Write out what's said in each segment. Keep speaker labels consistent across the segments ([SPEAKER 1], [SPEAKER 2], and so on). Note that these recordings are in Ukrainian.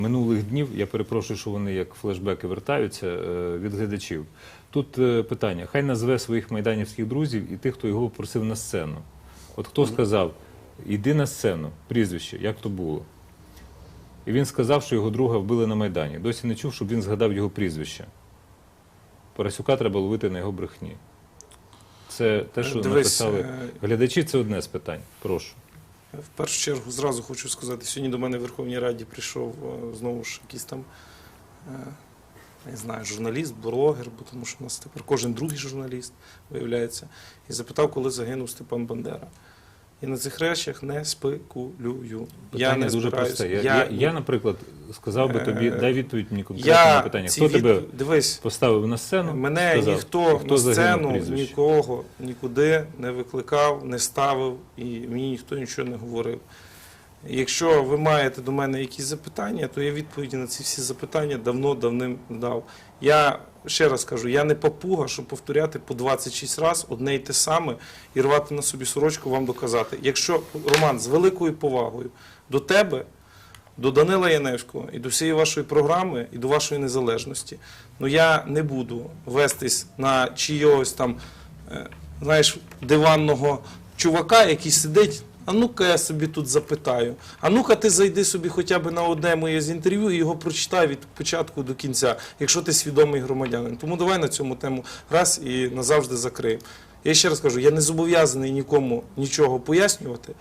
[SPEAKER 1] Минулих днів, я перепрошую, що вони як флешбеки вертаються від глядачів. Тут питання, хай назве своїх майданівських друзів і тих, хто його просив на сцену. От хто сказав, іди на сцену, прізвище, як то було? І він сказав, що його друга вбили на Майдані. Досі не чув, щоб він згадав його прізвище. Парасюка треба ловити на його брехні. Це те, що написали глядачі, це одне з питань. Прошу.
[SPEAKER 2] В першу чергу, зразу хочу сказати, сьогодні до мене в Верховній Раді прийшов знову ж якийсь там, не знаю, журналіст, блогер, бо тому що у нас тепер кожен другий журналіст, виявляється, і запитав, коли загинув Степан Бандера. І на цих речах не спекулюю.
[SPEAKER 1] Питання дуже просте. Я, наприклад, сказав би тобі, дай відповідь мені конкретно на питання. Хто тебе поставив на сцену?
[SPEAKER 2] Мене ніхто на сцену, нікого, нікуди не викликав, не ставив, і мені ніхто нічого не говорив. Якщо ви маєте до мене якісь запитання, то я відповіді на ці всі запитання давним дав. Я ще раз кажу, я не папуга, щоб повторяти по 26 разів одне й те саме і рвати на собі сорочку вам доказати. Якщо, Роман, з великою повагою до тебе, до Данила Яневського і до всієї вашої програми, і до вашої незалежності, ну я не буду вестись на чийогось там, знаєш, диванного чувака, який сидить. А ну-ка я собі тут запитаю. А ну-ка ти зайди собі хоча б на одне моє з інтерв'ю і його прочитай від початку до кінця, якщо ти свідомий громадянин. Тому давай на цьому тему раз і назавжди закриємо. Я ще раз кажу, я не зобов'язаний нікому нічого пояснювати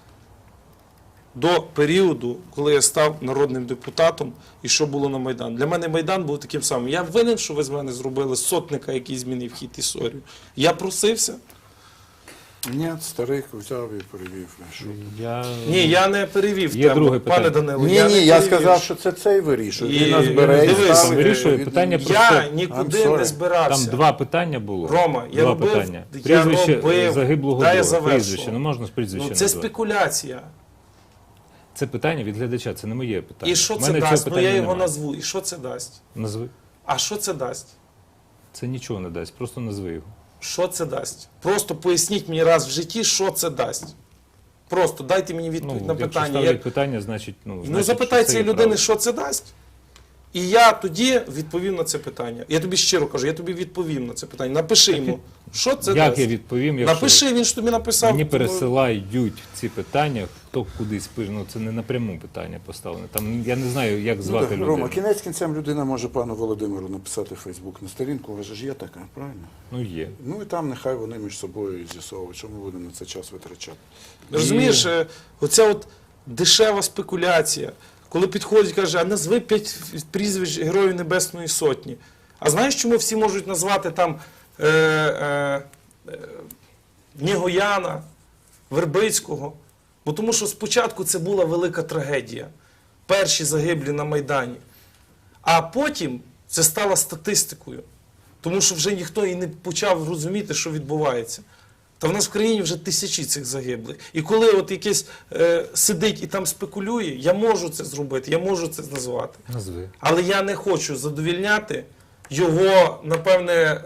[SPEAKER 2] до періоду, коли я став народним депутатом і що було на Майдані. Для мене Майдан був таким самим. Я винен, що ви з мене зробили сотника, який змінив хід історії. Я просився.
[SPEAKER 3] Ні, старик взяв і перевів.
[SPEAKER 2] Ні, я не перевів
[SPEAKER 1] Є
[SPEAKER 2] тему,
[SPEAKER 1] друге
[SPEAKER 2] пане Данило.
[SPEAKER 3] Ні, я сказав, що це цей вирішує. Він нас бере і ставить.
[SPEAKER 1] Вирішує питання про
[SPEAKER 2] Я нікуди не збирався.
[SPEAKER 1] Там два питання було.
[SPEAKER 2] Рома, я робив,
[SPEAKER 1] прізвище загиблого
[SPEAKER 2] дай я
[SPEAKER 1] друга.
[SPEAKER 2] завершу.
[SPEAKER 1] Прізвище, не можна з прізвища
[SPEAKER 2] Ну, це
[SPEAKER 1] назвати.
[SPEAKER 2] спекуляція.
[SPEAKER 1] Це питання від глядача, це не моє питання.
[SPEAKER 2] І що це дасть? Ну я його назву. І що це дасть?
[SPEAKER 1] Назви.
[SPEAKER 2] А що це дасть?
[SPEAKER 1] Це нічого не дасть, просто назви його.
[SPEAKER 2] Що це дасть? Просто поясніть мені раз в житті, що це дасть. Просто дайте мені відповідь на питання.
[SPEAKER 1] Якщо ставлять питання, значить...
[SPEAKER 2] Ну запитай цієї людини, що це дасть. І я тоді відповім на це питання. Я тобі щиро кажу, я тобі відповім на це питання. Напиши йому, що це дасть.
[SPEAKER 1] Як я відповім, якщо...
[SPEAKER 2] Напиши, він ж тобі написав.
[SPEAKER 1] Мені пересилають ці питання, хто кудись пише. Ну, це не напряму питання поставлене. Там, я не знаю, як звати людину.
[SPEAKER 3] Рома, кінець кінцем людина може пану Володимиру написати в Фейсбук на сторінку, у вас ж є така, правильно?
[SPEAKER 1] Ну, є.
[SPEAKER 3] Ну і там нехай вони між собою з'ясовують, що ми будемо на це час витрачати.
[SPEAKER 2] Розумієш, оця от дешева спекуляція, коли підходить і каже, а назви 5 прізвищ Героїв Небесної Сотні. А знаєш, чому всі можуть назвати там Нігояна, Вербицького? Бо тому що спочатку це була велика трагедія. Перші загиблі на Майдані. А потім це стало статистикою. Тому що вже ніхто і не почав розуміти, що відбувається. Та в нас в країні вже тисячі цих загиблих. І коли от якийсь сидить і там спекулює, я можу це зробити, я можу це назвати.
[SPEAKER 1] Назви.
[SPEAKER 2] Але я не хочу задовільняти його, напевне,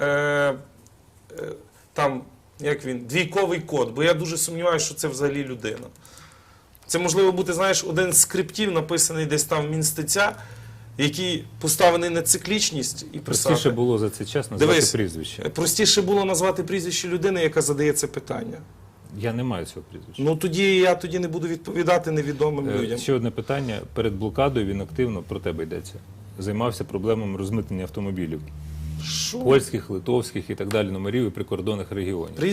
[SPEAKER 2] там, як він, двійковий код. Бо я дуже сумніваюся, що це взагалі людина. Це можливо бути, знаєш, один з скриптів, написаний десь там в Мінстиця, який поставлений на циклічність і писати.
[SPEAKER 1] Простіше було за цей час назвати прізвище.
[SPEAKER 2] Простіше було назвати прізвище людини, яка задає це питання.
[SPEAKER 1] Я не маю цього прізвища.
[SPEAKER 2] Ну тоді я не буду відповідати невідомим людям.
[SPEAKER 1] Ще одне питання. Перед блокадою він активно, про тебе йдеться, займався проблемами розмитнення автомобілів.
[SPEAKER 2] Що?
[SPEAKER 1] Польських, литовських і так далі номерів і прикордонних регіонів.